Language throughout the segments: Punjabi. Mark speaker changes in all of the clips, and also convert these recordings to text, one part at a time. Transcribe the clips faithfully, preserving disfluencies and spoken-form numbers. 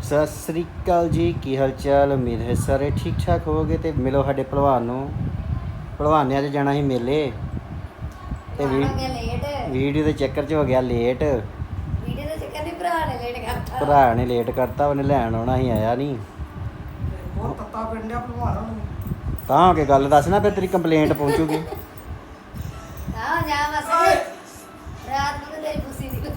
Speaker 1: ਸਤਿ ਸ੍ਰੀ ਅਕਾਲ ਜੀ, ਕੀ ਹਾਲ ਚਾਲ। ਉਮੀਦ ਹੈ ਸਾਰੇ ਠੀਕ ਠਾਕ ਹੋਵੋਗੇ। ਤੇ ਮਿਲੋ ਸਾਡੇ ਭਲਵਾਨ ਨੂੰ। ਭਲਵਾਨਿਆਂ 'ਚ ਜਾਣਾ ਸੀ ਮੇਲੇ ਤੇ ਵੀ ਵੀਡੀਓ ਦੇ ਚੱਕਰ 'ਚ ਹੋ ਗਿਆ ਲੇਟ।
Speaker 2: ਵੀਡੀਓ ਦੇ ਚੱਕਰ ਨਹੀਂ, ਭਰਾ ਨੇ ਲੇਟ ਕਰਤਾ।
Speaker 1: ਭਰਾ ਨੇ ਲੇਟ ਕਰਤਾ, ਉਹਨੇ ਲੈਣ ਆਉਣਾ ਸੀ, ਆਇਆ ਨਹੀਂ।
Speaker 3: ਬਹੁਤ ਤੱਤਾ ਪਿੰਡਿਆ ਭਲਵਾਨਾਂ ਨੂੰ।
Speaker 1: ਤਾਂ ਹੋ ਕੇ ਗੱਲ ਦੱਸ ਨਾ, ਫਿਰ ਤੇਰੀ ਕੰਪਲੇਂਟ ਪਹੁੰਚੂਗੀ।
Speaker 2: ਹਾਂ ਜਾ ਬਸ ਰਾਤ ਨੂੰ ਤੇ ਤੇਰੀ ਪੁੱਸੀ ਦੀ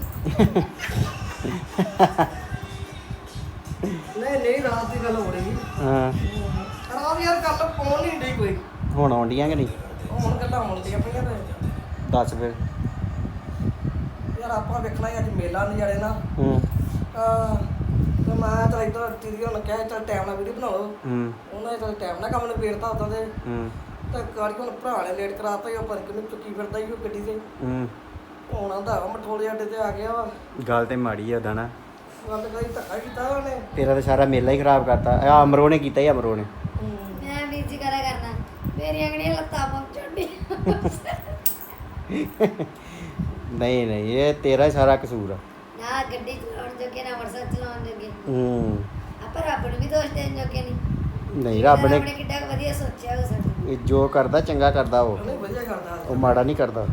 Speaker 3: ਨਹੀਂ ਨਹੀਂ ਰਾਤ ਦੀ ਗੱਲ ਹੋ ਰਹੀ।
Speaker 1: ਹਾਂ
Speaker 3: ਰਾਤ ਯਾਰ ਗੱਲ ਪਹੁੰਚ ਨਹੀਂ ਡਈ ਕੋਈ।
Speaker 1: ਹੁਣ ਆਉਂਦੀਆਂ ਕਿ ਨਹੀਂ?
Speaker 3: ਹੁਣ ਗੱਲਾਂ ਆਉਂਦੀਆਂ ਪਈਆਂ ਤੇ
Speaker 1: ਦੱਸ ਫਿਰ।
Speaker 3: ਯਾਰ ਆਪਾਂ ਵੇਖਣਾ ਹੀ ਅੱਜ ਮੇਲਾ ਨਜ਼ਾਰੇ ਨਾ।
Speaker 1: ਹੂੰ
Speaker 3: ਅਹ ਤੇ ਮੈਂ ਤਾਂ ਇੱਧਰ ਦੀਦੀ ਹੁਣ ਕਿਹਾ ਚੱਲ ਟਾਈਮ ਨਾਲ ਵੀਡੀਓ ਬਣਾ ਲਓ।
Speaker 1: ਹੂੰ
Speaker 3: ਉਹਨਾਂ ਨੇ ਚੱਲ ਟਾਈਮ ਨਾਲ ਕੰਮ ਨਿਬੇੜਤਾ ਉਦੋਂ ਤੇ
Speaker 1: ਹੂੰ
Speaker 3: ਤੇ ਗਾੜੀ ਹੁਣ ਭਰਾ ਨੇ ਲੇਟ ਕਰਾਤਾ ਹੀ। ਉਹ ਪਰ ਕਿਨੂੰ ਚੁੱਕੀ ਫਿਰਦਾ ਹੀ ਉਹ ਗੱਡੀ ਤੇ।
Speaker 1: ਹੂੰ
Speaker 3: ਹੁਣ ਆਂਦਾ ਮਠੋਲੇ ਅੱਡੇ ਤੇ ਆ ਗਿਆ ਵਾ।
Speaker 1: ਗੱਲ ਤੇ ਮਾੜੀ ਆ ਉਹਦਾ ਨਾ।
Speaker 3: ਗੱਲ ਕਰੀ ਧੱਕਾ ਕੀਤਾ ਉਹਨੇ।
Speaker 1: ਤੇਰਾ ਤਾਂ ਸਾਰਾ ਮੇਲਾ ਹੀ ਖਰਾਬ ਕਰਤਾ। ਆ ਅਮਰੋ ਨੇ ਕੀਤਾ ਹੀ, ਅਮਰੋ ਨੇ।
Speaker 2: ਮੈਂ ਵੀਰ ਜੀ ਕਰਾ ਕਰਨਾ ਮੇਰੀਆਂ ਕਿਹੜੀਆਂ ਲੱਤਾਂ ਪਹੁੰਚਣ
Speaker 1: ਨਹੀਂ ਨਹੀਂ, ਇਹ ਤੇਰਾ ਹੀ ਸਾਰਾ ਕਸੂਰ ਆ।
Speaker 2: ਨਾ ਗੱਡੀ ਚਲਾਉਣ ਜੋਗੇ ਨਾ ਮੋਟਰਸਾਈਕਲ ਚਲਾਉਣ ਜੋਗੇ।
Speaker 1: ਹੂੰ
Speaker 2: ਆਪਾਂ ਰੱਬ ਨੂੰ ਵੀ ਦੋਸ਼ ਦੇਣ ਜੋਗੇ ਨਹੀਂ।
Speaker 1: ਨਹੀਂ, ਰੱਬ ਨੇ
Speaker 2: ਆਪਣੇ ਕਿੱਡਾ ਕੁ ਵਧੀਆ ਸੋਚਿਆ ਉਹ ਸਾਡੇ।
Speaker 1: ਇਹ ਜੋ ਕਰਦਾ ਚੰਗਾ ਕਰਦਾ ਉਹ
Speaker 3: ਉਹਨੇ ਵਧੀਆ ਕਰਦਾ।
Speaker 1: ਉਹ ਮਾੜਾ ਨਹੀਂ ਕਰਦਾ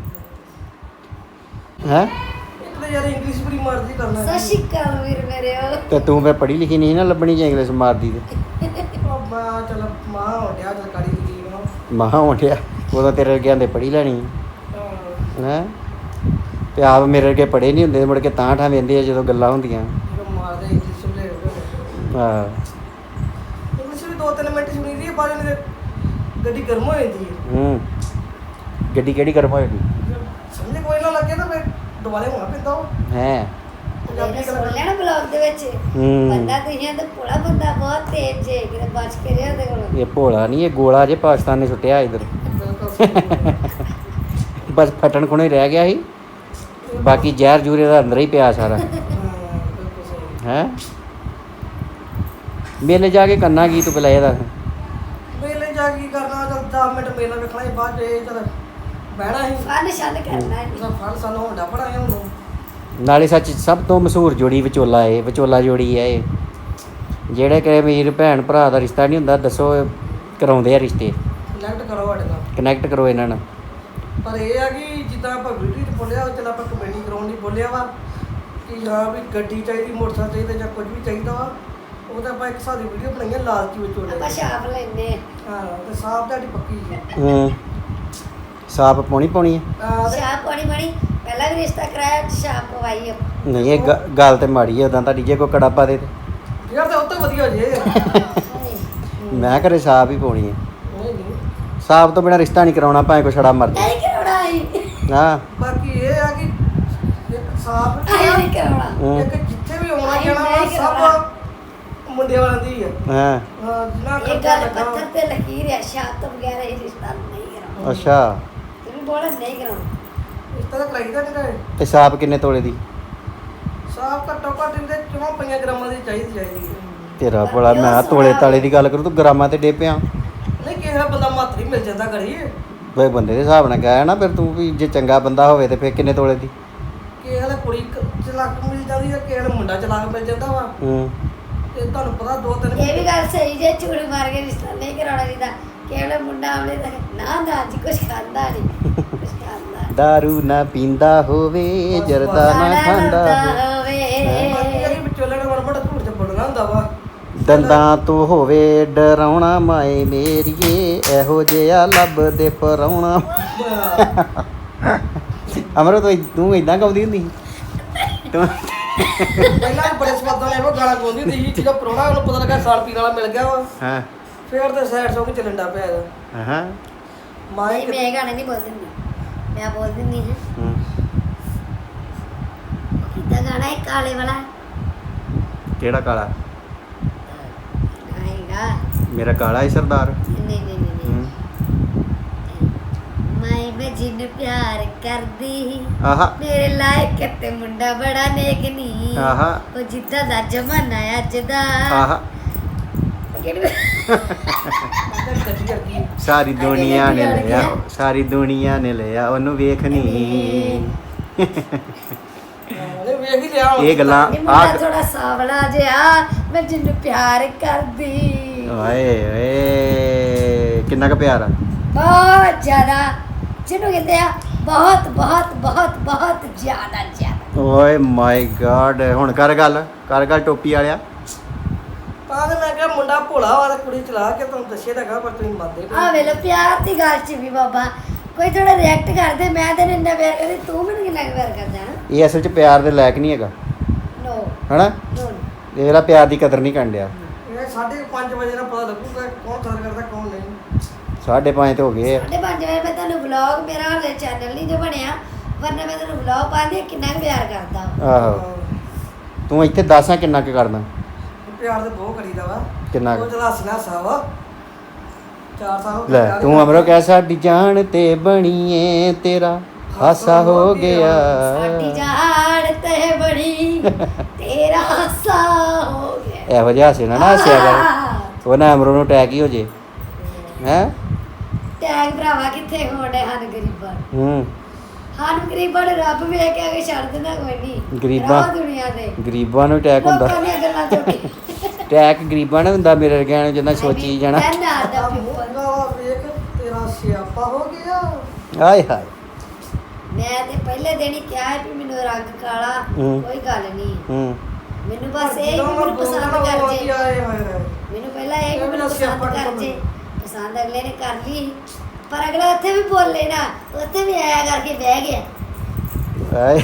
Speaker 1: ਹੈ।
Speaker 3: ਇੱਕ ਤਾਂ ਯਾਰ ਇੰਗਲਿਸ਼ ਬੜੀ ਮਰਜ਼ੀ ਕਰਨਾ।
Speaker 2: ਸਤਿ ਸ਼੍ਰੀ ਅਕਾਲ ਵੀਰ ਮੇਰੇ ਉਹ।
Speaker 1: ਤੇ ਤੂੰ ਫੇ ਪੜ੍ਹੀ ਲਿਖੀ ਨਹੀਂ ਨਾ ਲੱਭਣੀ ਜੇ ਇੰਗਲਿਸ਼ ਮਾਰਦੀ ਤੇ
Speaker 3: ਉਹ ਮੈਂ ਚੱਲ ਮਾਂ ਹੋ ਗਿਆ ਚੱਲ ਕਰੀ ਦੀ ਨੂੰ।
Speaker 1: ਮਹਾ ਹੋਂਠਿਆ ਉਦੋਂ ਤੇਰੇ ਅੱਗੇ ਆਂਦੇ ਪੜ੍ਹੀ ਲੈਣੀ
Speaker 3: ਹਾਂ
Speaker 1: ਹੈ। ਤੇ ਆਪ ਮੇਰੇ ਅੱਗੇ ਪੜ੍ਹੇ ਨਹੀਂ ਹੁੰਦੇ, ਮੁੜ ਕੇ ਤਾਂ ਠਾਂ ਵੇਂਦੇ ਆ ਜਦੋਂ ਗੱਲਾਂ ਹੁੰਦੀਆਂ।
Speaker 3: ਜਦੋਂ ਮਾਰਦੇ ਇੰਗਲਿਸ਼ ਲੈ ਹੋ
Speaker 1: ਹਾਂ
Speaker 3: ਇੰਗਲਿਸ਼ ਵੀ ਦੋ ਤਿੰਨ ਮਿੰਟ ਸੁਣੀ ਦੀ ਬਾਅਦ ਵਿੱਚ ਗੱਡੀ ਗਰਮ ਹੋ ਜਾਂਦੀ ਹੈ।
Speaker 1: ਹੂੰ ਗੱਡੀ ਕਿਹੜੀ ਕਰਮ ਹੋਏਗੀ
Speaker 3: ਸਮਝ ਕੋਈ ਨਾ ਲੱਗੇ ਤਾਂ ਫਿਰ ਦੁਬਾਰੇ ਹੋਣਾ ਪੈਂਦਾ ਉਹ
Speaker 1: ਹੈ।
Speaker 2: ਇਹਨੇ ਸੁਣ ਲੈਣਾ ਬਲੌਗ ਦੇ ਵਿੱਚ
Speaker 1: ਹੂੰ
Speaker 2: ਬੰਦਾ ਤੁਸੀਂ ਤਾਂ ਭੋਲਾ ਬੰਦਾ ਬਹੁਤ ਤੇਜ਼ ਜੇ ਕਿਤੇ ਬਚ ਕੇ ਰਿਹਾ ਉਹਦੇ ਕੋਲ।
Speaker 1: ਇਹ ਭੋਲਾ ਨਹੀਂ, ਇਹ ਗੋਲਾ ਜੇ ਪਾਕਿਸਤਾਨ ਨੇ ਸੁੱਟਿਆ ਇੱਧਰ।
Speaker 3: ਬਿਲਕੁਲ ਸਹੀ
Speaker 1: ਬਸ ਫਟਣ ਖੁਣੇ ਰਹਿ ਗਿਆ ਸੀ, ਬਾਕੀ ਜ਼ਹਿਰ ਜੂਰੇ ਦਾ ਅੰਦਰ ਹੀ ਪਿਆ ਸਾਰਾ।
Speaker 3: ਹਾਂ ਬਿਲਕੁਲ ਸਹੀ।
Speaker 1: ਹੈ ਮੇਲੇ ਜਾ ਕੇ ਕਰਨਾ ਕੀ ਤੂੰ ਪਹਿਲਾਂ ਇਹ ਦੱਸ।
Speaker 3: ਮੇਲੇ ਜਾ ਕੇ ਕੀ ਕਰਨਾ, ਚੱਲ ਦਸ ਮਿੰਟ ਮੇਲਾ ਵੇਖਣਾ ਸੀ, ਬਾਅਦ 'ਚ ਇਹ ਚੱਲ ਬਹਿਣਾ ਸੀ।
Speaker 2: ਫਨ ਸ਼ਨ ਕਰਨਾ ਹੈ।
Speaker 3: ਉਹਦਾ ਫਲ ਸਾਨੂੰ ਹੁੰਦਾ ਬੜਾ ਹੈ ਉਹਨੂੰ।
Speaker 1: ਨਾਲੇ ਸੱਚ ਸਭ ਤੋਂ ਮਸ਼ਹੂਰ ਜੋੜੀ ਵਿਚੋਲਾ ਏ, ਵਿਚੋਲਾ ਜੋੜੀ ਹੈ ਇਹ। ਜਿਹੜੇ ਕਿ ਅਮੀਰ ਭੈਣ ਭਰਾ ਦਾ ਰਿਸ਼ਤਾ ਨਹੀਂ ਹੁੰਦਾ, ਦੱਸੋ ਕਰਾਉਂਦੇ ਆ ਰਿਸ਼ਤੇ।
Speaker 3: ਕਨੈਕਟ ਕਰੋ ਸਾਡੇ ਨਾਲ।
Speaker 1: ਕਨੈਕਟ ਕਰੋ ਇਹਨਾਂ ਨਾਲ।
Speaker 3: ਪਰ ਇਹ ਆ ਕਿ ਜਿੱਦਾਂ ਆਪਾਂ ਵੀਡੀਓ 'ਚ ਬੋਲਿਆ ਉਹ ਚੱਲ ਆਪਾਂ ਕਮੇਡੀ ਕਰਾਉਣ ਲਈ ਬੋਲਿਆ ਵਾ ਕਿ ਹਾਂ ਵੀ ਗੱਡੀ ਚਾਹੀਦੀ, ਮੋਟਰਸਾਈਕਲ ਚਾਹੀਦਾ ਜਾਂ ਕੁਝ ਵੀ ਚਾਹੀਦਾ ਵਾ। ਉਹ ਤਾਂ ਆਪਾਂ ਇੱਕ ਹਿਸਾਬ ਦੀ ਵੀਡੀਓ ਬਣਾਈਆਂ ਲਾਲਚੀ ਵਿਚੋਲੇ।
Speaker 2: ਆਪਾਂ ਛਾਪ ਲੈਨੇ
Speaker 3: ਹਾਂ ਤੇ ਸਾਫ ਤੁਹਾਡੀ ਪੱਕੀ ਹੈ।
Speaker 1: ਹੂੰ ਸਾਪ ਪਾਉਣੀ ਪਾਉਣੀ ਹੈ।
Speaker 3: ਹਾਂ ਤੇ
Speaker 2: ਛਾਪ ਪਾਣੀ ਬਣੀ ਪਹਿਲਾਂ ਵੀ ਰਿਸ਼ਤਾ ਕਰਾਇਆ ਛਾਪ ਪਵਾਈ ਆ।
Speaker 1: ਨਹੀਂ ਇਹ ਗ- ਗੱਲ ਤੇ ਮਾੜੀ ਹੈ ਉਦਾਂ ਤੁਹਾਡੀ। ਜੇ ਕੋਈ ਕੜਾ ਪਾ ਦੇ ਤੇ
Speaker 3: ਯਾਰ ਤੇ ਉਹ ਤੋਂ ਵਧੀਆ ਜੇ।
Speaker 1: ਮੈਂ ਘਰੇ ਸਾਪ ਹੀ ਪਾਉਣੀ ਹੈ।
Speaker 3: ਨਹੀਂ ਨਹੀਂ
Speaker 1: ਸਾਪ ਤੋਂ ਬਿਨਾਂ ਰਿਸ਼ਤਾ ਨਹੀਂ ਕਰਾਉਣਾ, ਭਾਵੇਂ ਕੋਈ ਛੜਾ ਮਰ
Speaker 2: ਨਹੀਂ ਕਰਾਉਣਾ ਹੀ
Speaker 1: ਜਾਏ। ਹਾਂ
Speaker 3: ਬਾਕੀ ਇਹ ਆ ਕਿ ਇੱਕ ਸਾਫ
Speaker 2: ਆਇਆ ਨਹੀਂ ਕਰਾਉਣਾ।
Speaker 1: ਹੂੰ,
Speaker 3: ਇੱਕ ਜਿੱਥੇ ਵੀ ਆਉਣਾ
Speaker 2: ਆਈ
Speaker 3: ਜਾਣਾ ਵਾ
Speaker 2: ਨਹੀਂ ਕਰਾਉਣਾ।
Speaker 3: ਸਭ ਮੁੰਡਿਆਂ ਵਾਲਿਆਂ ਦੀ ਹੈ।
Speaker 1: ਹਾਂ
Speaker 3: ਹਾਂ ਜਿੰਨਾ
Speaker 2: ਇਹ
Speaker 3: ਖਰਚਾ
Speaker 2: ਗੱਲ
Speaker 3: ਲੱਗਾ
Speaker 2: ਪੱਥਰ ਤੇ ਲਕੀਰ ਹੈ, ਛਾਪ ਤੋਂ ਬਗੈਰ ਇਹ ਰਿਸ਼ਤਾ ਨਹੀਂ ਕਰਾਉਣਾ।
Speaker 1: ਅੱਛਾ।
Speaker 2: ਤੈਨੂੰ ਬੋਲਾ ਨਹੀਂ ਕਰਾਉਣਾ।
Speaker 3: ਇਸ ਤਰ੍ਹਾਂ ਕਰਾਈਦਾ ਨਹੀਂ ਕਰੇ।
Speaker 1: ਤੇ ਸਾਪ ਕਿੰਨੇ ਤੋਲੇ ਦੀ?
Speaker 3: ਸਾਫ ਘੱਟੋ ਘੱਟ ਇਹਦੇ ਚੌਂ ਪੰਜਾਂ ਗ੍ਰਾਮਾਂ ਦੀ ਚਾਹੀਦੀ ਚਾਹੀਦੀ ਹੈ।
Speaker 1: ਤੇਰਾ ਬੜਾ ਮੈਂ ਕਿਹਾ ਤੋਲੇ ਤਾਲੇ ਦੀ ਗੱਲ ਕਰੂ, ਤੂੰ ਗ੍ਰਾਮਾਂ ਤੇ ਡੇ ਪਿਆ।
Speaker 3: ਨਹੀਂ ਕਿਸੇ ਦਾ ਬੰਦਾ ਮਾਤਰੀ ਮਿਲ ਜਾਂਦਾ ਕਰੀ।
Speaker 1: ਬਈ ਬੰਦੇ ਦੇ ਹਿਸਾਬ ਨਾਲ ਕਹਿਆ ਨਾ ਫਿਰ ਤੂੰ ਵੀ। ਜੇ ਚੰਗਾ ਬੰਦਾ ਹੋਵੇ ਤੇ ਫਿਰ ਕਿੰਨੇ ਤੋਲੇ ਦੀ?
Speaker 3: ਕਿਸੇ ਵਾਲੇ ਕੁੜੀ ਕ- ਚਲਾਕ ਮਿਲ ਜਾਂਦੀ ਹੈ, ਕਿਸੇ ਨੂੰ ਮੁੰਡਾ ਚਲਾਕ ਮਿਲ ਜਾਂਦਾ ਵਾ।
Speaker 1: ਹੂੰ
Speaker 3: ਤੇ ਤੁਹਾਨੂੰ ਪਤਾ ਦੋ ਤਿੰਨ
Speaker 2: ਇਹ ਵੀ ਗੱਲ ਸਹੀ ਜੇ ਝੂਠ ਮਾਰ ਕੇ ਰਿਸ਼ਤਾ ਨਹੀਂ ਕਰਾਉਣਾ ਚਾਹੀਦਾ। ਕਿਹੜਾ ਮੁੰਡਾ ਆਉਣੇ ਤਾਂ ਨਾ ਨਾ ਜੀ ਕੁਛ ਖਾਂਦਾ ਨਹੀਂ, ਕੁਛ ਖਾਂਦਾ
Speaker 1: ਦਾਰੂ ਨਾ ਪੀਂਦਾ ਹੋਵੇ, ਜਰਦਾ ਨਾ ਖਾਂਦਾ ਹੋਵੇ,
Speaker 3: ਬਾਕੀ ਵਿਚੋਲੇ ਨੇ ਮੜ ਮੜ ਝੂਠ ਚ ਬੋਲਣਾ ਹੁੰਦਾ ਵਾ।
Speaker 1: ਦੰਦਾਂ ਤੋਂ ਹੋਵੇ ਡਰਾਉਣਾ ਮਾਏ ਮੇਰੀਏ, ਇਹੋ ਜਿਹਾ ਲੱਭਦੇ ਪਰਾਉਣਾ। ਅਮਰੋ ਤੂੰ ਤੂੰ ਇਦਾਂ ਗਾਉਂਦੀ ਹੁੰਦੀ ਸੀ ਤੂੰ?
Speaker 3: ਪਹਿਲਾਂ ਵੀ ਬੜੇ ਸਵਾਦਾਂ ਨੇ ਉਹ ਗਾਣਾ ਗਾਉਂਦੀ ਹੁੰਦੀ ਸੀ। ਜਦੋਂ ਪ੍ਰਾਹੁਣਾ ਉਹਨੂੰ ਪਤਾ ਲੱਗਾ ਸਾਲ ਪੀਣ ਵਾਲਾ ਮਿਲ ਗਿਆ ਵਾ,
Speaker 1: ਹਾਂ
Speaker 3: ਫੇਰ ਤੇ ਸੈਡ ਸੌਂਗ ਚੱਲਣ ਡਾ ਪਿਆ ਇਹਦਾ।
Speaker 1: ਹਾਂ
Speaker 3: ਮਾਂ
Speaker 2: ਨਹੀਂ ਮੈਂ ਗਾਣੇ ਨਹੀਂ ਬੋਲਦੀ ਹੁੰਦੀ, ਮੈਂ ਬੋਲਦੀ ਨਹੀਂ ਹਾਂ।
Speaker 1: ਹੂੰ।
Speaker 2: ਕਿੱਦਾਂ ਗਾਣਾ ਹੈ ਕਾਲੇ ਵਾਲਾ
Speaker 1: ਕਿਹੜਾ ਕਾਲਾ?
Speaker 2: ਆਏਗਾ
Speaker 1: ਮੇਰਾ ਕਾਲਾ ਹੀ ਸਰਦਾਰ।
Speaker 2: ਨਹੀਂ ਨਹੀਂ ਨਹੀਂ ਨਹੀਂ
Speaker 1: ਹੂੰ।
Speaker 2: ਮੈਂ ਮੈਂ ਜਿੰਨ ਪਿਆਰ ਕਰਦੀ
Speaker 1: ਆਹਾ
Speaker 2: ਮੇਰੇ ਲਾਇਕ ਤੇ ਮੁੰਡਾ ਬੜਾ ਨੇਕ ਨਹੀਂ।
Speaker 1: ਆਹਾ
Speaker 2: ਉਹ ਜਿੱਦਾਂ ਦਾ ਜ਼ਮਾਨਾ ਅੱਜ ਦਾ।
Speaker 1: ਆਹਾ
Speaker 2: ਕਿਹੜੀ
Speaker 3: ਗੱਡੀ ਕਰਦੀ
Speaker 1: ਸਾਰੀ ਦੁਨੀਆ ਨੇ ਲਿਆ, ਸਾਰੀ ਦੁਨੀਆ ਨੇ ਲਿਆ ਉਹਨੂੰ ਵੇਖਣੀ।
Speaker 3: ਉਹਨੇ ਵੇਖ ਹੀ ਲਿਆ ਹੁਣ।
Speaker 1: ਇਹ ਗੱਲਾਂ
Speaker 2: ਇਹ ਮੁੰਡਾ
Speaker 1: ਆ
Speaker 2: ਥੋੜਾ ਸਾਵਲਾ ਜਿਹਾ ਮੈਂ ਜਿੰਨੂੰ ਪਿਆਰ ਕਰਦੀ
Speaker 1: ਓਏ ਓਏ ਕਿੰਨਾ ਕੁ ਪਿਆਰ ਆ
Speaker 2: ਬਹੁਤ ਜ਼ਿਆਦਾ ਜਿਹਨੂੰ ਕਹਿੰਦੇ ਆ ਬਹੁਤ ਬਹੁਤ ਬਹੁਤ ਬਹੁਤ ਜ਼ਿਆਦਾ ਜ਼ਿਆਦਾ
Speaker 1: ਓਏ ਮਾਈ ਗॉड ਹੁਣ ਕਰ ਗੱਲ ਕਰ ਗੱਲ ਟੋਪੀ ਵਾਲਿਆ
Speaker 3: ਤਾਂ ਤੇ ਮੈਂ ਕਿਹਾ ਮੁੰਡਾ ਭੋਲਾ ਵਾ ਤੇ ਕੁੜੀ ਚਲਾ ਕੇ ਤੁਹਾਨੂੰ ਦੱਸੇ ਤਾਂ ਹੈਗਾ ਪਰ ਤੁਸੀਂ ਮੰਨਦੇ ਨਹੀਂ।
Speaker 2: ਆ ਵੇਲੋ ਪਿਆਰ ਦੀ ਗੱਲ ਚ ਵੀ ਬਾਬਾ ਕੋਈ ਥੋੜਾ ਰਿਐਕਟ ਕਰਦੇ ਮੈਂ ਤੇ ਇੰਨਾ ਪਿਆਰ ਕਰਦੀ ਤੂੰ ਮੈਨੂੰ ਕਿੰਨਾ ਕੁ ਪਿਆਰ ਕਰਦਾ ਹੈ
Speaker 1: ਇਹ ਅਸਲ 'ਚ ਪਿਆਰ ਦੇ ਲਾਇਕ ਨਹੀਂ ਹੈਗਾ
Speaker 2: ਨੋ
Speaker 1: ਹਨਾ
Speaker 2: ਨੋ
Speaker 1: ਇਹਦਾ ਪਿਆਰ ਦੀ ਕਦਰ ਨਹੀਂ ਕਰਨ ਡਿਆ
Speaker 3: ਇਹ ਸਾਢੇ ਪੰਜ ਵਜੇ ਨਾਲ ਪਤਾ ਲੱਗੂਗਾ ਕੌਣ ਕਦਰ ਕਰਦਾ ਕੌਣ ਨਹੀਂ।
Speaker 1: ਸਾਢੇ ਪੰਜ ਤੇ ਹੋ ਗਏ ਆ।
Speaker 2: ਸਾਢੇ ਪੰਜ ਵਜੇ ਮੈਂ ਤੁਹਾਨੂੰ ਵਲੌਗ ਮੇਰਾ ਹਲੇ ਚੈਨਲ ਨਹੀਂ ਜੋ ਬਣਿਆ ਵਰਨਾ ਮੈਂ ਤੁਹਾਨੂੰ ਵਲੌਗ ਪਾਉਂਦੀ ਕਿੰਨਾ ਕੁ ਪਿਆਰ ਕਰਦਾ
Speaker 1: ਆਹੋ ਤੂੰ ਇੱਥੇ ਦੱਸਾਂ ਕਿੰਨਾ ਕੁ ਕਰਦਾ
Speaker 3: ਪਿਆਰ ਤੇ ਬਹੁਤ ਕਰੀਦਾ ਵਾ
Speaker 1: ਕਿੰਨਾ ਕੁ?
Speaker 3: ਉਹ ਚਲਾ ਹੱਸਣਾ ਹੱਸਾ ਵਾ ਚਾਰ ਸਾਲ ਹੋ ਗਏ
Speaker 1: ਲੈ
Speaker 3: ਪਿਆਰ
Speaker 1: ਤੂੰ
Speaker 3: ਕਰਦੇ।
Speaker 1: ਅਮਰੋ ਕਹਿ ਸਾਡੀ ਜਾਨ ਤੇ ਬਣੀਏ ਤੇਰਾ ਹਾਸਾ ਹੋ ਗਿਆ
Speaker 2: ਸਾਡੀ ਜਾੜ ਤੇ ਬੜੀ ਤੇਰਾ ਹਾਸਾ ਹੋ ਗਿਆ
Speaker 1: ਇਹੋ ਜਿਹਾ ਹਾਸੇ ਨਾ ਨਾ ਹਾਸਿਆ ਕਰ ਉਹ ਨਾ ਅਮਰੋ ਨੂੰ ਅਟੈਕ ਹੀ ਹੋ ਜੇ ਹੈ
Speaker 2: ਟੈਗ ਭਰਾਵਾ ਕਿੱਥੇ ਹੋਣੇ ਹਨ ਗਰੀਬਾਂ ਨੂੰ।
Speaker 1: ਹੂੰ
Speaker 2: ਹਨ ਗਰੀਬਾਂ ਨੂੰ ਰੱਬ ਵੇਖ ਕੇ ਅਗੇ ਛੱਡ ਦਿੰਦਾ ਕੋਈ ਨਹੀਂ
Speaker 1: ਗਰੀਬਾਂ-
Speaker 2: ਰਹੋ ਦੁਨੀਆ ਤੇ
Speaker 1: ਗਰੀਬਾਂ ਨੂੰ ਅਟੈਕ ਹੁੰਦਾ
Speaker 2: ਲੋਕਾਂ ਦੀਆਂ ਗੱਲਾਂ ਚੁੱਕੀ
Speaker 1: ਅਟੈਕ ਗਰੀਬਾਂ ਨੂੰ ਹੁੰਦਾ ਮੇਰੇ ਵਰਗਿਆਂ ਨੂੰ ਜਿੰਨਾ ਸੋਚੀ ਜਾਣਾ
Speaker 2: ਦਾ
Speaker 3: ਆ ਮੋਗਾ ਵਾ ਵੇਖ ਤੇਰਾ ਸਿਆਪਾ ਹੋ ਗਿਆ।
Speaker 1: ਆਏ ਹਾਏ
Speaker 2: ਮੈਂ ਤੇ ਪਹਿਲੇ ਦਿਨ ਹੀ ਕਿਹਾ ਸੀ ਵੀ ਮੈਨੂੰ ਰੰਗ ਕਾਲਾ
Speaker 1: ਹੂੰ।
Speaker 2: ਕੋਈ ਗੱਲ ਨਹੀਂ
Speaker 1: ਹੂੰ
Speaker 2: ਮੈਨੂੰ ਬਸ ਇਹ
Speaker 3: ਜਦੋਂ
Speaker 2: ਕਿ ਮੈਨੂੰ
Speaker 3: ਮੈਂ
Speaker 2: ਪਸੰਦ
Speaker 3: ਬੋਲਣਾ
Speaker 2: ਕਰ
Speaker 3: ਉਹ
Speaker 2: ਜੇ
Speaker 3: ਆਏ ਹਾਏ ਹਾਏ।
Speaker 2: ਮੈਨੂੰ ਪਹਿਲਾਂ ਇਹ ਕਿ
Speaker 3: ਇਹ
Speaker 2: ਮੈਨੂੰ
Speaker 3: ਮੇਰਾ
Speaker 2: ਪਸੰਦ
Speaker 3: ਸਿਆਪਾ
Speaker 2: ਕਰ
Speaker 3: ਕਿਉਂ
Speaker 2: ਜੇ ਪਸੰਦ ਅਗਲੇ ਨੇ ਕਰ ਲਈ ਪਰ ਅਗਲਾ ਉੱਥੇ ਵੀ ਬੋਲੇ ਨਾ ਉੱਥੇ ਵੀ ਆਇਆ ਕਰਕੇ ਬਹਿ ਗਿਆ
Speaker 1: ਆਏ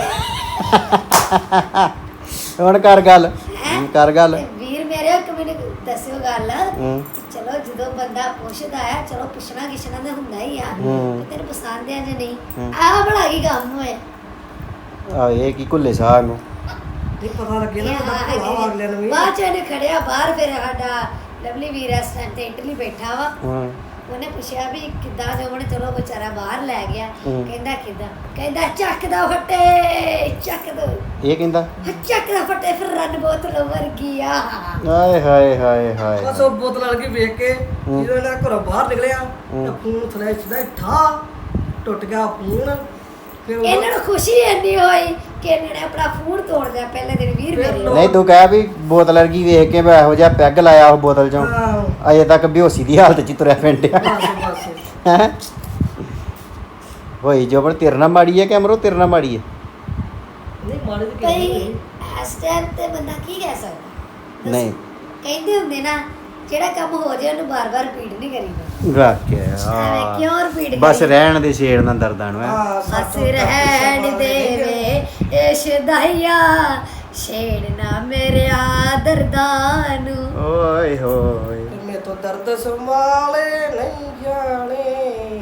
Speaker 1: ਹੁਣ ਕਰ ਗੱਲ
Speaker 2: ਹੈਂ?
Speaker 1: ਕਰ ਗੱਲ
Speaker 2: ਤੇ ਵੀਰ ਮੇਰੇ ਇੱਕ ਮੈਨੂੰ ਦੱਸਿਓ ਗੱਲ
Speaker 1: ਹੂੰ
Speaker 2: ਚਲੋ ਜਦੋਂ ਬੰਦਾ ਪੁੱਛਦਾ ਆ ਚਲੋ ਪੁੱਛਣਾ ਕਿਛਣਾ ਤਾਂ ਹੁੰਦਾ ਹੀ ਆ
Speaker 1: ਹੂੰ।
Speaker 2: ਕਿ ਤੈਨੂੰ ਪਸੰਦ ਆ ਜਾਂ ਨਹੀਂ
Speaker 1: ਹੂੰ।
Speaker 2: ਆਹ ਬੜਾ ਕੀ ਕੰਮ ਹੋਇਆ
Speaker 1: ਆ ਇਹ ਕੀ ਕੁੱਲੇ ਸਾਹ ਨੂੰ
Speaker 3: ਨਹੀਂ ਪਤਾ ਲੱਗੇ ਨਾ ਉਹਦਾ ਭੋਲਾ ਵਾ ਅਗਲੇ ਨੂੰ ਵੀ।
Speaker 2: ਬਾਅਦ ਚ ਇਹਨੇ ਖੜਿਆ ਬਾਹਰ ਫਿਰ ਸਾਡਾ ਲਵਲੀ ਵੀਰ ਇਸ ਟਾਈਮ ਤੇ ਇਟਲੀ ਬੈਠਾ ਵਾ
Speaker 1: ਹੂੰ
Speaker 2: ਉਹਨੇ ਪੁੱਛਿਆ ਵੀ ਕਿੱਦਾਂ ਜੋਬਨ ਚਲੋ ਵਿਚਾਰਾ ਬਾਹਰ ਲੈ ਗਿਆ
Speaker 1: ਹੂੰ।
Speaker 2: ਕਹਿੰਦਾ ਕਿੱਦਾਂ ਕਹਿੰਦਾ ਚੱਕ ਦਾ ਫੱਟੇ ਚੱਕ ਦੋ
Speaker 1: ਇਹ ਕਹਿੰਦਾ
Speaker 2: ਚੱਕ ਦਾ ਫੱਟੇ ਫਿਰ ਰਨ ਬੋਤਲ ਵਰਗੀ ਆ
Speaker 1: ਆਏ ਹਾਏ ਹਾਏ ਹਾਏ
Speaker 3: ਬਸ ਉਹ ਬੋਤਲ ਵਾਲ ਕੇ ਵੇਖ ਕੇ
Speaker 1: ਹੂੰ।
Speaker 3: ਜਦੋਂ ਇਹਨਾਂ ਘਰੋਂ ਬਾਹਰ ਨਿਕਲਿਆ
Speaker 1: ਹੂੰ।
Speaker 3: ਤਾਂ ਫੋਨ ਥਲੇ ਸਿੱਧਾ ਠਾ ਟੁੱਟ ਗਿਆ ਫੋਨ ਫਿਰ ਉਹ-
Speaker 2: ਇਹਨਾਂ ਨੂੰ ਖੁਸ਼ੀ ਇੰਨੀ ਹੋਈ ਕਿ ਇਹਨਾਂ ਨੇ ਆਪਣਾ ਫੋਨ ਤੋੜ ਦਿਆ ਪਹਿਲੇ ਦਿਨ ਵੀਰ
Speaker 3: ਫਿਰ
Speaker 2: ਮੇਰੇ
Speaker 3: ਲੋਕ-
Speaker 1: ਨਹੀਂ ਤੂੰ ਕਹਿ ਵੀ ਬੋਤਲ ਵਰਗੀ ਵੇਖ ਕੇ ਮੈਂ ਇਹੋ ਜਿਹਾ ਪੈਗ ਲਾਇਆ ਉਹ ਬੋਤਲ ਚੋਂ
Speaker 3: ਹਾਂ
Speaker 1: ਅਜੇ ਤੱਕ ਬੇਹੋਸੀ ਦੀ ਹਾਲਤ ਚ ਹੀ ਤੁਰਿਆ ਫਿੰਡਿਆ
Speaker 3: ਬਸ ਬਸ
Speaker 1: ਹੈਂ? ਹੋਈ ਜੋ ਪਰ ਤੇਰੇ ਨਾਲ ਮਾੜੀ ਹੈ ਕਿ ਅਮਰੋ ਤੇਰੇ ਨਾਲ ਮਾੜੀ ਹੈ
Speaker 3: ਨਹੀਂ ਮਾੜੇ ਤੇ
Speaker 2: ਭਈ
Speaker 3: ਕਹਿੰਦੇ
Speaker 2: ਇਸ ਟਾਈਮ ਤੇ ਬੰਦਾ ਕੀ ਕਹਿ ਸਕਦਾ ਦੱਸੋ?
Speaker 1: ਨਹੀਂ।
Speaker 2: ਕਹਿੰਦੇ ਹੁੰਦੇ ਨਾ ਜਿਹੜਾ ਕੰਮ ਹੋ ਜਾਏ ਉਹਨੂੰ ਬਾਰ-ਬਾਰ ਰਿਪੀਟ ਨਹੀਂ ਕਰੀਦਾ
Speaker 1: ਰੱਖ ਕੇ
Speaker 2: ਐਵੇਂ
Speaker 1: ਆ
Speaker 2: ਕਿਉਂ ਰਿਪੀਟ
Speaker 1: ਬਸ ਰਹਿਣ ਦੇ ਛੇੜ ਨਾ ਦਰਦਾਂ ਨੂੰ ਹੈਂ।
Speaker 3: ਹਾਂ
Speaker 2: ਹੱਸ ਰਹਿਣ ਦੇਵੇ ਇਸ਼ਦਾਈਆ ਛੇੜਨਾ ਮੇਰੇ ਦਰਦਾਂ ਨੂੰ
Speaker 1: ਓਏ ਹੋਏ
Speaker 3: ਮੈਂ ਤੋਂ ਦਰਦ ਸੰਭਾਲੇ ਨਹੀਂ ਜਾਣੇ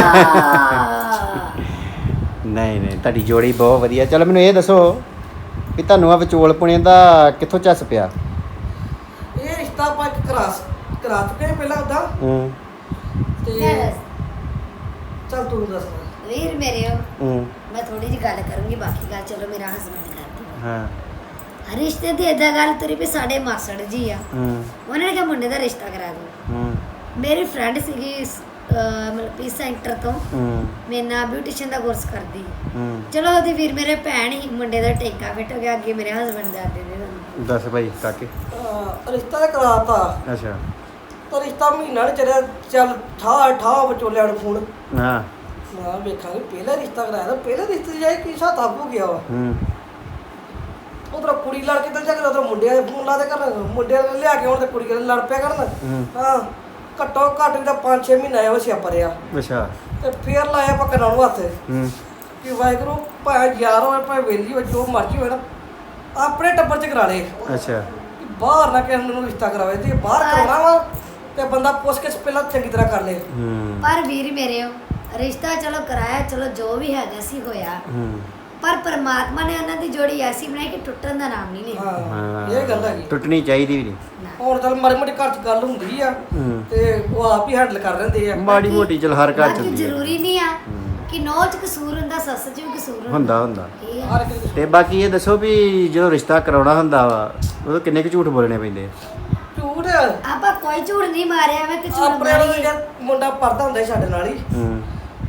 Speaker 2: ਆ
Speaker 1: ਨਹੀਂ ਨਹੀਂ ਤੁਹਾਡੀ ਜੋੜੀ ਬਹੁਤ ਵਧੀਆ ਚਲੋ ਮੈਨੂੰ ਇਹ ਦੱਸੋ ਵੀ ਤੁਹਾਨੂੰ ਆ ਵਿਚੋਲ ਪੁਣੇ ਦਾ ਕਿੱਥੋਂ ਚੱਸ ਪਿਆ
Speaker 3: ਇਹ ਰਿਸ਼ਤਾ ਆਪਾਂ ਇੱਕ ਕਰਾ ਕਰਾ ਚੁੱਕੇ ਹਾਂ ਪਹਿਲਾਂ ਉਹਦਾ
Speaker 1: ਹੂੰ
Speaker 3: ਤੇ ਚੱਲ ਤੂੰ ਦੱਸ
Speaker 2: ਵੀਰ ਮੇਰੇ
Speaker 1: ਹੂੰ
Speaker 2: ਮੈਂ ਥੋੜੀ ਜਿਹੀ ਗੱਲ ਕਰੂੰਗੀ ਬਾਕੀ ਗੱਲ ਚਲੋ ਮੇਰਾ ਹਸਬੰਡ ਕਰਦੀ
Speaker 1: ਹਾਂ
Speaker 2: ਰਿਸ਼ਤੇ ਦੀ ਏਦਾਂ ਗੱਲ ਤੁਰੀ ਵੀ ਸਾਡੇ ਮਾਸੜ ਜੀ ਆ
Speaker 1: ਹੂੰ
Speaker 2: ਉਹਨਾਂ ਨੇ ਕਿਹਾ ਮੁੰਡੇ ਦਾ ਰਿਸ਼ਤਾ ਕਰਾ ਦਿਓ
Speaker 1: ਹੂੰ
Speaker 2: ਮੇਰੀ ਫਰੈਂਡ ਸੀਗੀ ਅਹ ਮਤਲਬ ਪੀਸ ਸੈਂਟਰ ਤੋਂ
Speaker 1: ਹੂੰ
Speaker 2: ਮੇਰੇ ਨਾਲ ਬਿਊਟੀਸ਼ੀਅਨ ਦਾ ਕੋਰਸ ਕਰਦੀ
Speaker 1: ਹੂੰ
Speaker 2: ਚਲੋ ਉਹਦੀ ਵੀਰ ਮੇਰੇ ਭੈਣ ਹੀ ਮੁੰਡੇ ਦਾ ਟੇਕਾ ਫਿੱਟ ਹੋ ਗਿਆ ਅੱਗੇ ਮੇਰੇ ਹਸਬੰਡ ਦਾ ਦੇ ਦੇ ਤੁਹਾਨੂੰ
Speaker 1: ਦੱਸ ਭਾਈ ਕਾਕੇ
Speaker 3: ਅਹ ਰਿਸ਼ਤਾ ਤਾਂ ਕਰਾਤਾ
Speaker 1: ਅੱਛਾ
Speaker 3: ਤਾਂ ਰਿਸ਼ਤਾ ਮਹੀਨਾ ਨਹੀਂ ਚੱਲਿਆ ਚੱਲ ਠਾ ਠਾ ਵਿਚੋਲਿਆਂ ਨੂੰ ਫੋਨ
Speaker 1: ਹਾਂ
Speaker 3: ਨਾ ਵੇਖਾਂਗੇ ਪਹਿਲਾ ਰਿਸ਼ਤਾ ਕਰਾਇਆ ਤਾਂ ਪਹਿਲੇ ਰਿਸ਼ਤੇ 'ਚ ਜਾਈ ਕੀ ਹਿਸਾਬ ਹੋ ਗਿਆ ਵਾ
Speaker 1: ਹੂੰ
Speaker 3: ਉਧਰ ਕੁੜੀ ਲੜ ਕੇ ਤਾਂ ਜਾ ਕੇ ਉਧਰ ਮੁੰਡਿਆਂ ਦੇ ਫੋਨ ਲਾਦੇ ਕਰਨ ਮੁੰਡਿਆਂ ਨੇ ਲਿਆ ਕੇ ਹੁਣ ਤੇ ਕੁੜੀ ਨਾਲ ਲੜ ਪਿਆ ਕਰਨ
Speaker 1: ਹੂੰ
Speaker 3: ਹਾਂ ਘੱਟੋ ਘੱਟ ਵੀ ਤਾਂ ਪੰਜ ਛੇ ਮਹੀਨੇ ਆਇਆ ਵਸਿਆ ਪਰਿਆ
Speaker 1: ਅੱਛਾ
Speaker 3: ਤੇ ਫੇਰ ਲਾਇਆ ਪੱਕਾ ਨੂੰ ਹੱਥ
Speaker 1: ਹੂੰ
Speaker 3: ਕਿ ਵਾਹਿਗੁਰੂ ਭਾਵੇਂ ਯਾਰ ਹੋਵੇ ਭਾਵੇਂ ਵੇਲੀ ਹੋਵੇ ਜੋ ਮਰਜ਼ੀ ਹੋਵੇ ਨਾ ਆਪਣੇ ਟੱਬਰ 'ਚ ਕਰਾ ਲੇ
Speaker 1: ਅੱਛਾ
Speaker 3: ਕਿ ਬਾਹਰ ਨਾ ਕਿਸੇ ਨੂੰ ਰਿਸ਼ਤਾ ਕਰਾਵੇ ਤੇ ਬਾਹਰ ਕਰਾਉਣਾ ਵਾ ਤੇ ਬੰਦਾ ਪੁੱਛ ਕੇ ਪਹਿਲਾਂ ਚੰਗੀ ਤਰ੍ਹਾਂ ਕਰ ਲੇ
Speaker 1: ਹੂੰ
Speaker 2: ਪਰ ਵੀਰ ਮੇਰੇ ਰਿਸ਼ਤਾ ਚਲੋ ਕਰਾਇਆ ਚਲੋ ਜੋ ਵੀ ਹੈਗਾ ਸੀ ਹੋਇਆ
Speaker 1: ਹੂੰ
Speaker 2: ਪਰ ਪਰਮਾਤਮਾ ਨੇ ਉਹਨਾਂ ਦੀ ਜੋੜੀ ਐਸੀ ਬਣਾਈ ਕਿ ਟੁੱਟਣ ਦਾ ਨਾਮ ਨਹੀਂ ਲੈਂਦਾ
Speaker 3: ਹਾਂ ਇਹ ਗੱਲ ਹੈਗੀ
Speaker 1: ਟੁੱਟਣੀ ਚਾਹੀਦੀ ਵੀ ਨਹੀਂ
Speaker 2: ਨਾ।
Speaker 3: ਹੁਣ ਚੱਲ ਮਾੜੀ ਮੋਟੀ ਘਰ 'ਚ ਗੱਲ ਹੁੰਦੀ ਆ
Speaker 1: ਹੂੰ
Speaker 3: ਤੇ ਉਹ ਆਪ ਹੀ ਹੈਂਡਲ ਕਰ ਲੈਂਦੇ ਆ
Speaker 1: ਮਾੜੀ ਮੋਟੀ ਚਲ ਹਰ ਘਰ ਚ
Speaker 2: ਬਾਕੀ
Speaker 1: ਹੁੰਦੀ ਹੈ
Speaker 2: ਜ਼ਰੂਰੀ ਨਹੀਂ ਆ
Speaker 1: ਹੂੰ।
Speaker 2: ਕਿ ਨੌ ਚ ਕਸੂਰ ਹੁੰਦਾ ਸੱਸ ਚ ਵੀ ਕਸੂਰ
Speaker 1: ਹੁੰਦਾ ਹੁੰਦਾ
Speaker 2: ਇਹ ਆ।
Speaker 3: ਹਰ ਇੱਕ ਦੇ
Speaker 1: ਤੇ ਬਾਕੀ ਇਹ ਦੱਸੋ ਵੀ ਜਦੋਂ ਰਿਸ਼ਤਾ ਕਰਾਉਣਾ ਹੁੰਦਾ ਵਾ ਉਦੋਂ ਕਿੰਨੇ ਕੁ ਝੂਠ ਬੋਲਣੇ ਪੈਂਦੇ ਆ?
Speaker 3: ਝੂਠ
Speaker 2: ਆਪਾਂ ਕੋਈ ਝੂਠ ਨਹੀਂ ਮਾਰਿਆ ਮੈਂ ਕਿ ਝੂਠ
Speaker 3: ਆਪਣੇ ਵਾਲਾ
Speaker 2: ਮਾਰੀਏ
Speaker 3: ਜਿਹੜਾ ਮੁੰਡਾ ਪੜਦਾ ਹੁੰਦਾ ਸੀ ਸਾਡੇ ਨਾਲ ਹੀ
Speaker 1: ਹੂੰ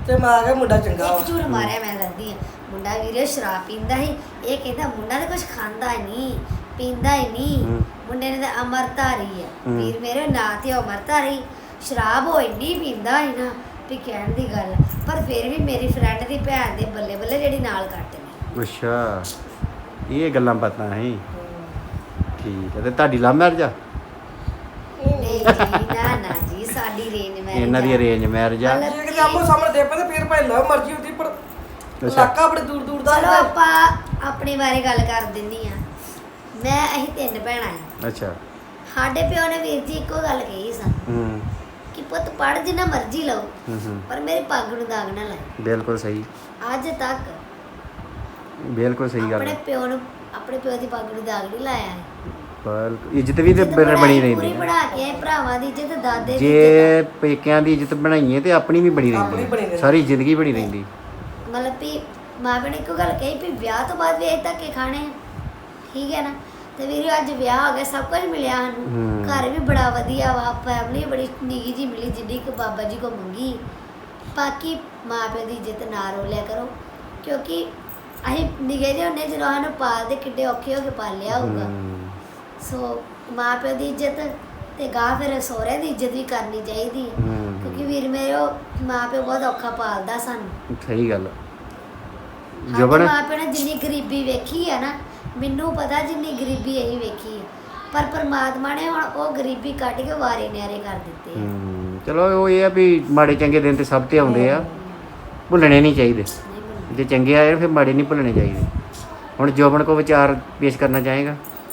Speaker 3: ਤੇ ਮੈਂ ਆ ਗਿਆ ਮੁੰਡਾ ਚੰਗਾ ਵਾ
Speaker 2: ਇੱਕ ਝੂਠ ਮਾਰਿਆ ਮੈਂ ਦੱਸਦੀ ਆ ਮੁੰਡਾ ਵੀਰੇ ਸ਼ਰਾਬ ਪੀਂਦਾ ਸੀ ਇਹ ਕਹਿੰਦਾ ਮੁੰਡਾ ਤਾਂ ਕੁਝ ਖਾਂਦਾ ਹੀ ਨਹੀਂ ਪੀਂਦਾ ਹੀ ਨਹੀਂ
Speaker 1: ਹੂੰ।
Speaker 2: ਮੁੰਡੇ ਨੇ ਤਾਂ ਅਮਰਤਾਰੀ ਆ
Speaker 1: ਹੂੰ।
Speaker 2: ਵੀਰ ਮੇਰੇ ਨਾਂ ਤੇ ਅਮਰਤਾਰੀ ਸ਼ਰਾਬ ਉਹ ਇੰਨੀ ਪੀਂਦਾ ਸੀ ਨਾ ਵੀ ਕਹਿਣ ਦੀ ਗੱਲ ਪਰ ਫਿਰ ਵੀ ਮੇਰੀ ਫਰੈਂਡ ਦੀ ਭੈਣ ਦੇ ਬੱਲੇ ਬੱਲੇ ਜਿਹੜੀ ਨਾਲ ਕੱਟ ਨੇ
Speaker 1: ਅੱਛਾ ਇਹ ਗੱਲਾਂ ਪਤਾ ਹੈ ਠੀਕ ਹੈ ਤੇ ਤੁਹਾਡੀ ਲਵ ਮੈਰਿਜ ਆ
Speaker 2: ਨਹੀਂ ਜੀ ਨਾ ਨਾ ਜੀ ਸਾਡੀ ਰੇਂਜ ਮੈਂ
Speaker 1: ਇਹਨਾਂ ਦੀ ਅਰੇਂਜ ਮੈਰਿਜ ਆ
Speaker 2: ਮਤਲਬ
Speaker 3: ਜੇ ਕਿਤੇ ਆਪੋ ਸਾਹਮਣੇ ਦੇ ਪਏ ਤੇ ਫਿਰ ਭਾਈ ਲਵ ਮਰਜ਼ੀ ਹੁੰਦੀ ਪਰ
Speaker 1: ਅੱਛਾ।
Speaker 3: ਇਲਾਕਾ ਬੜੇ ਦੂਰ ਦੂਰ ਦਾ
Speaker 2: ਚਲੋ
Speaker 3: ਹੈ।
Speaker 2: ਆਪਾਂ ਆਪਣੇ ਬਾਰੇ ਗੱਲ ਕਰ ਦਿੰਨੀ ਆ ਮੈਂ ਅਸੀਂ ਤਿੰਨ ਭੈਣਾਂ ਆ
Speaker 1: ਅੱਛਾ
Speaker 2: ਸਾਡੇ ਪਿਓ ਨੇ ਵੀਰ ਜੀ ਇੱਕੋ ਗੱਲ ਕਹੀ ਸਨ
Speaker 1: ਹੂੰ
Speaker 2: ਕਿ ਪੁੱਤ ਪੜ ਜਿੰਨਾ ਮਰਜ਼ੀ ਲਓ
Speaker 1: ਹੂੰ ਹੂੰ
Speaker 2: ਪਰ ਮੇਰੇ ਪੱਗ ਨੂੰ ਦਾਗ ਨਾ ਲਾਏ
Speaker 1: ਬਿਲਕੁਲ ਸਹੀ
Speaker 2: ਅੱਜ ਤੱਕ
Speaker 1: ਬਿਲਕੁਲ ਸਹੀ ਗੱਲ
Speaker 2: ਆਪਣੇ
Speaker 1: ਹੈ
Speaker 2: ਪਿਓ ਨੂੰ ਆਪਣੇ ਪਿਓ ਦੀ ਪੱਗ ਨੂੰ ਦਾਗ ਨਹੀਂ ਲਾਇਆ ਹੈ
Speaker 1: ਬਿਲਕੁਲ ਇੱਜ਼ਤ ਵੀ ਤੇ
Speaker 2: ਇੱਜ਼ਤ
Speaker 1: ਬਣੀ
Speaker 2: ਬਣਾਈ,
Speaker 1: ਰਹਿੰਦੀ
Speaker 2: ਪੂਰੀ
Speaker 1: ਹੈ
Speaker 2: ਬਣਾ ਕੇ ਆਏ, ਭਰਾਵਾਂ ਦੀ ਇੱਜ਼ਤ ਦਾਦੇ ਦੀ
Speaker 1: ਜੇ ਪੇਕਿਆਂ ਦੀ ਇੱਜ਼ਤ ਬਣਾਈਏ ਤੇ ਆਪਣੀ ਵੀ ਬਣੀ
Speaker 3: ਆਪਣੀ ਬਣੀ
Speaker 1: ਰਹਿੰਦੀ
Speaker 3: ਰਹਿੰਦੀ।
Speaker 1: ਸਾਰੀ ਜ਼ਿੰਦਗੀ ਬਣੀ ਰਹਿੰਦੀ
Speaker 2: ਇੱਜ਼ਤ ਮਤਲਬ ਵੀ ਮਾਂ ਪਿਓ ਨੇ ਇੱਕੋ ਗੱਲ ਕਹੀ ਵੀ ਵਿਆਹ ਤੋਂ ਬਾਅਦ ਵੀ ਇਹ ਧੱਕੇ ਖਾਣੇ ਆ। ਠੀਕ ਹੈ ਨਾ ਤੇ ਵੀਰੇ ਅੱਜ ਵਿਆਹ ਹੋ ਗਿਆ ਸਭ ਕੁਝ ਮਿਲਿਆ ਸਾਨੂੰ
Speaker 1: ਹੂੰ।
Speaker 2: ਘਰ ਵੀ ਬੜਾ ਵਧੀਆ ਵਾ ਫੈਮਿਲੀ ਬੜੀ ਨਿੱਘੀ ਜੀ ਮਿਲੀ ਜਿੱਡੀ ਕਿ ਬਾਬਾ ਜੀ ਕੋ ਮੰਗੀ ਬਾਕੀ ਮਾਂ ਪਿਓ ਦੀ ਇੱਜ਼ਤ ਨਾ ਰੋਲਿਆ ਕਰੋ ਕਿਉਂਕਿ ਅਸੀਂ ਨਿੱਘੇ ਜਿਹੇ ਹੁੰਦੇ ਜਦੋਂ ਸਾਨੂੰ ਪਾਲਦੇ ਕਿੱਡੇ ਔਖੇ ਹੋ ਕੇ ਪਾਲਿਆ ਹੋਊਗਾ
Speaker 1: ਹੂੰ।
Speaker 2: ਸੋ ਮਾਂ ਪਿਓ ਦੀ ਇੱਜ਼ਤ ਤੇ ਗਾਂ ਫਿਰ ਸਹੁਰੇ ਦੀ ਇੱਜ਼ਤ ਵੀ ਕਰਨੀ ਚਾਹੀਦੀ ਹੈ
Speaker 1: ਹੂੰ।
Speaker 2: ਕਿਉਂਕਿ ਵੀਰ ਮੇਰੇ ਉਹ ਮਾਂ ਪਿਓ ਬਹੁਤ ਔਖਾ ਪਾਲਦਾ ਸਾਨੂੰ
Speaker 1: ਸਹੀ ਗੱਲ
Speaker 2: ਸਾਡੇ
Speaker 1: ਜਬਰ
Speaker 2: ਮਾਂ ਪਿਓ ਨੇ ਜਿੰਨੀ ਗਰੀਬੀ ਵੇਖੀ ਆ ਨਾ ਮੈਨੂੰ ਪਤਾ ਜਿੰਨੀ ਗਰੀਬੀ ਅਸੀਂ ਵੇਖੀ ਆ ਪਰ ਪਰਮਾਤਮਾ ਨੇ ਹੁਣ ਉਹ ਗਰੀਬੀ ਕੱਢ ਕੇ ਵਾਰੇ ਨਿਆਰੇ ਕਰ ਦਿੱਤੇ ਆ।
Speaker 1: ਹੂੰ ਚਲੋ ਉਹ ਇਹ ਆ ਵੀ ਮਾੜੇ ਚੰਗੇ ਦਿਨ ਤੇ ਸਭ ਤੇ ਆਉਂਦੇ ਆ ਭੁੱਲਣੇ ਨਹੀਂ ਚਾਹੀਦੇ
Speaker 2: ਨਹੀਂ ਬਣਦੀ।
Speaker 1: ਜੇ ਚੰਗੇ ਆਏ ਫਿਰ ਮਾੜੇ ਨਹੀਂ ਭੁੱਲਣੇ ਚਾਹੀਦੇ ਹੁਣ ਜੋਬਨ ਕੋ ਵਿਚਾਰ ਪੇਸ਼ ਕਰਨਾ ਚਾਹੇਗਾ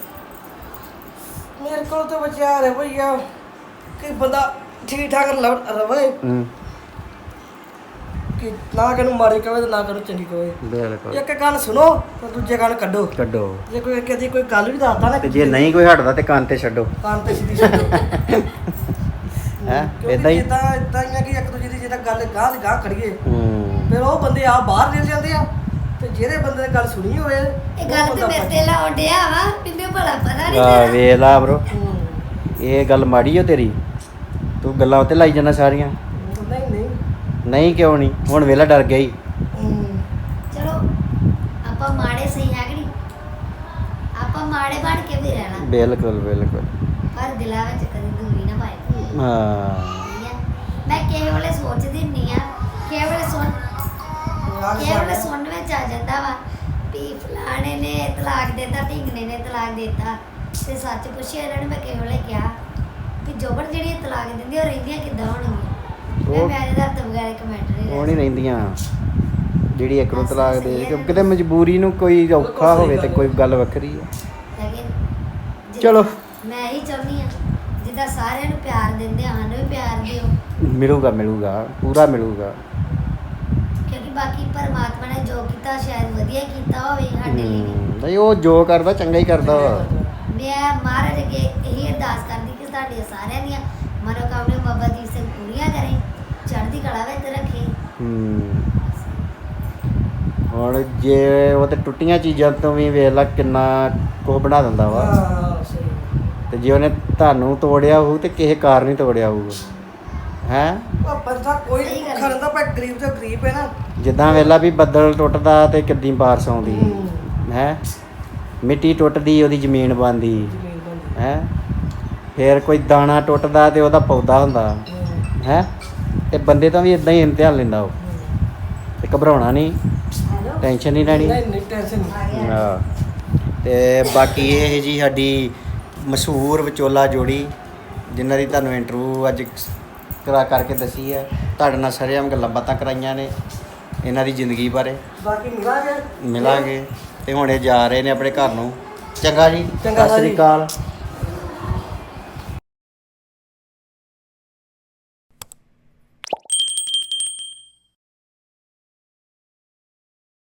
Speaker 3: ਮੇਰੇ ਕੋਲ ਤਾਂ ਵਿਚਾਰ ਹੈ ਭਈਆ ਕਿ ਬੰਦਾ ਠੀਕ ਠਾਕ ਲਵ- ਰਵੇ
Speaker 1: ਹੂੰ
Speaker 3: ਕਿ ਨਾ ਕਿਨੂੰ ਮਾੜੀ ਕਵੇ ਤੇ ਨਾ ਕਿਨੂੰ ਚੰਗੀ ਕਵੇ
Speaker 1: ਬਿਲਕੁਲ
Speaker 3: ਇੱਕ ਗੱਲ ਸੁਣੋ ਤੇ ਦੂਜੇ ਗੱਲ ਕੱਢੋ
Speaker 1: ਕੱਢੋ
Speaker 3: ਜੇ ਕੋਈ ਕਦੀ ਕੋਈ ਗੱਲ ਵੀ ਦੱਸਦਾ ਨਾ
Speaker 1: ਤੇ ਜੇ ਨਹੀਂ ਕੋਈ ਹਟਦਾ ਤੇ ਕੰਨ ਤੇ ਛੱਡੋ
Speaker 3: ਕੰਨ ਤੇ ਸਿੱਧੀ ਛੱਡੋ
Speaker 1: ਹੈ
Speaker 3: ਕਿਉਂਕਿ
Speaker 1: ਇਦਾਂ ਹੀ
Speaker 3: ਜਿੱਦਾਂ ਇਦਾਂ ਹੀ ਆ ਕਿ ਇੱਕ ਦੂਜੇ ਦੀ ਜਿੱਦਾਂ ਗੱਲ ਗਾਹ ਦੀ ਗਾਹ ਕਰੀਏ
Speaker 1: ਹੂੰ
Speaker 3: ਫਿਰ ਉਹ ਬੰਦੇ ਆ ਬਾਹਰ ਨਿਕਲ ਜਾਂਦੇ ਆ ਤੇ ਜਿਹੜੇ ਬੰਦੇ ਨੇ ਗੱਲ ਸੁਣੀ ਹੋਵੇ
Speaker 2: ਇਹ ਗੱਲ ਤੇ ਮੇਰੇ ਤੇ ਲਾਉਣ ਡਿਆ ਵਾ ਮੈਨੂੰ ਭਲਾ ਪਤਾ ਨਹੀਂ
Speaker 1: ਆ
Speaker 2: ਤੇਰਾ
Speaker 1: ਵੇਖ ਲਾ ਬ్రో
Speaker 3: ਹੂੰ।
Speaker 1: ਇਹ ਗੱਲ ਮਾੜੀ ਓ ਤੇਰੀ ਤੂੰ ਗੱਲਾਂ ਉੱਤੇ ਲਾਈ ਜਾਂਦਾ ਸਾਰੀਆਂ
Speaker 3: ਨਹੀਂ ਨਹੀਂ
Speaker 1: ਨਹੀਂ ਕਿਉਂ ਨਹੀਂ ਹੁਣ ਵੇਲਾ ਡਰ ਗਿਆ ਹੀ
Speaker 3: ਹੂੰ।
Speaker 2: ਚਲੋ ਆਪਾਂ ਮਾੜੇ ਸਹੀ ਹੈ ਕਿ ਨਹੀਂ ਆਪਾਂ ਮਾੜੇ ਬਣ ਕੇ ਵੀ ਰਹਿਣਾ
Speaker 1: ਬਿਲਕੁਲ ਬਿਲਕੁਲ
Speaker 2: ਪਰ ਦਿਲਾਂ ਵਿੱਚ ਕਦੇ ਦੂਰੀ ਨਾ ਪਾਏ
Speaker 1: ਹਾਂ
Speaker 2: ਠੀਕ ਹੈ? ਮੈਂ ਕਿਸੇ ਵੇਲੇ ਸੋਚਦੀ ਹੁੰਦੀ ਆ ਕਿਸੇ ਵੇਲੇ ਸੁਣ
Speaker 3: ਯਾਦ
Speaker 2: ਕਿਸੇ ਵੇਲੇ
Speaker 3: ਕਰ।
Speaker 2: ਸੁਣਨ ਵਿੱਚ ਆ ਜਾਂਦਾ ਵਾ ਵੀ ਫਲਾਣੇ ਨੇ ਤਲਾਕ ਦੇਤਾ ਢਿੰਗਣੇ ਨੇ ਤਲਾਕ ਦੇਤਾ ਤੇ ਸੱਚ ਪੁੱਛਿਆ ਇਹਨਾਂ ਨੇ ਮੈਂ ਕਿਸੇ ਵੇਲੇ ਕਿਹਾ ਵੀ ਜੋਬਨ ਜਿਹੜੀ ਇਹ ਤਲਾਕ ਦਿੰਦੀ ਉਹ ਰਹਿੰਦੀਆਂ ਕਿੱਦਾਂ ਹੋਣਗੀਆਂ ਮੈਂ
Speaker 1: ਉਹ-
Speaker 2: ਮੈਂ ਇਹਦਾ ਤਾਂ ਬਗੈਰ ਕਮੈਂਟ ਨਹੀਂ
Speaker 1: ਉਹ ਨਹੀਂ ਰਹਿੰਦੀਆਂ ਜਿਹੜੀ ਇੱਕ ਨੂੰ ਤਲਾਕ ਦੇ ਕਿ ਕਿਤੇ ਮਜਬੂਰੀ ਨੂੰ ਕੋਈ ਔਖਾ ਹੋਵੇ ਤੇ ਕੋਈ ਗੱਲ ਵੱਖਰੀ ਹੈ
Speaker 2: ਲੇਕਿਨ ਜਿੱਦਾਂ
Speaker 1: ਚਲੋ।
Speaker 2: ਮੈਂ ਹੀ ਚਾਹੁੰਦੀ ਆ ਜਿੱਦਾਂ ਸਾਰਿਆਂ ਨੂੰ ਪਿਆਰ ਦਿੰਦੇ ਆ ਸਾਨੂੰ ਵੀ ਪਿਆਰ ਦਿਓ
Speaker 1: ਮਿਲੂਗਾ ਮਿਲੂਗਾ ਪੂਰਾ ਮਿਲੂਗਾ
Speaker 2: ਕਿਉਂਕਿ ਬਾਕੀ ਪਰਮਾਤਮਾ ਨੇ ਜੋ ਕੀਤਾ ਸ਼ਾਇਦ ਵਧੀਆ ਕੀਤਾ ਹੋਵੇ ਸਾਡੇ ਲਈ ਵੀ।
Speaker 1: ਹੂੰ, ਨਹੀਂ ਉਹ ਜੋ ਕਰਦਾ ਚੰਗਾ ਹੀ ਕਰਦਾ ਵਾ
Speaker 2: ਮੈਂ ਮਹਾਰਾਜ ਅੱਗੇ ਇਹੀ ਅਰਦਾਸ ਕਰਦੀ ਕਿ ਸਾਡੇ ਸਾਰਿਆਂ ਦੀਆਂ ਮਨੋਕਾਮਨਾ ਬਾਬਾ ਦੀਪ ਸਿੰਘ ਪੂਰੀਆਂ ਕਰੇ ਚੜ੍ਹਦੀ ਕਲਾ ਵਿੱਚ ਰੱਖੇ
Speaker 1: ਹੂੰ ਹੁਣ ਜੇ ਉਹ ਤੇ ਟੁੱਟੀਆਂ ਚੀਜ਼ਾਂ ਤੋਂ ਵੀ ਵੇਖ ਲਾ ਕਿੰਨਾ ਕੁਝ ਬਣਾ ਦਿੰਦਾ ਵਾ
Speaker 3: ਹਾਂ ਸਹੀ
Speaker 1: ਤੇ ਜੇ ਉਹਨੇ ਤੁਹਾਨੂੰ ਤੋੜਿਆ ਹੋਊ ਤੇ ਕਿਸੇ ਕਾਰਨ ਹੀ ਤੋੜਿਆ ਹੋਊਗਾ ਹੈ
Speaker 3: ਉਹ ਬੰਦਾ ਕੋਈ
Speaker 2: ਸਹੀ ਗੱਲ
Speaker 3: ਭੁੱਖਾ ਰਹਿੰਦਾ ਪਰ ਗਰੀਬ ਤੋਂ ਗਰੀਬ ਹੈ ਨਾ
Speaker 1: ਜਿੱਦਾਂ ਵੇਲਾ ਵੀ ਬੱਦਲ ਟੁੱਟਦਾ ਤੇ ਕਿੱਦੀ ਬਾਰਿਸ਼ ਆਉਂਦੀ
Speaker 3: ਹੂੰ।
Speaker 1: ਹੈ ਮਿੱਟੀ ਟੁੱਟਦੀ ਉਹਦੀ ਜ਼ਮੀਨ ਬਣਦੀ
Speaker 3: ਜ਼ਮੀਨ ਬੰਦੀ
Speaker 1: ਹੈ ਫਿਰ ਕੋਈ ਦਾਣਾ ਟੁੱਟਦਾ ਤੇ ਉਹਦਾ ਪੌਦਾ ਹੁੰਦਾ
Speaker 3: ਹੂੰ।
Speaker 1: ਹੈ ਤੇ ਬੰਦੇ ਤਾਂ ਵੀ ਇਦਾਂ ਹੀ ਇਮਤਿਹਾਨ ਲੈਂਦਾ ਉਹ ਤੇ ਘਬਰਾਉਣਾ ਨਹੀਂ
Speaker 2: ਹੈਲੋ
Speaker 1: ਟੈਨਸ਼ਨ ਨਹੀਂ ਲੈਣੀ
Speaker 3: ਨਹੀਂ ਨਹੀਂ ਟੈਨਸ਼ਨ ਨਹੀਂ
Speaker 1: ਹਾਂ ਤੇ ਬਾਕੀ ਇਹ ਜੀ ਸਾਡੀ ਮਸ਼ਹੂਰ ਵਿਚੋਲਾ ਜੋੜੀ ਜਿਨ੍ਹਾਂ ਦੀ ਤੁਹਾਨੂੰ ਇੰਟਰਵਿਊ ਅੱਜ ਕਰਾ ਕਰਕੇ ਦੱਸੀ ਹੈ ਤੁਹਾਡੇ ਨਾਲ ਸਾਰੀਆਂ ਗੱਲਾਂ ਬਾਤਾਂ ਕਰਾਈਆਂ ਨੇ ਇਹਨਾਂ ਦੀ ਜ਼ਿੰਦਗੀ ਬਾਰੇ
Speaker 3: ਬਾਕੀ ਮਿਲਾਂਗੇ
Speaker 1: ਮਿਲਾਂਗੇ ਤੇ ਹੁਣ ਇਹ ਜਾ ਰਹੇ ਨੇ ਆਪਣੇ ਘਰ ਨੂੰ ਚੰਗਾ ਜੀ
Speaker 3: ਚੰਗਾ
Speaker 1: ਸਤਿ ਸ੍ਰੀ
Speaker 3: ਜੀ।
Speaker 1: ਅਕਾਲ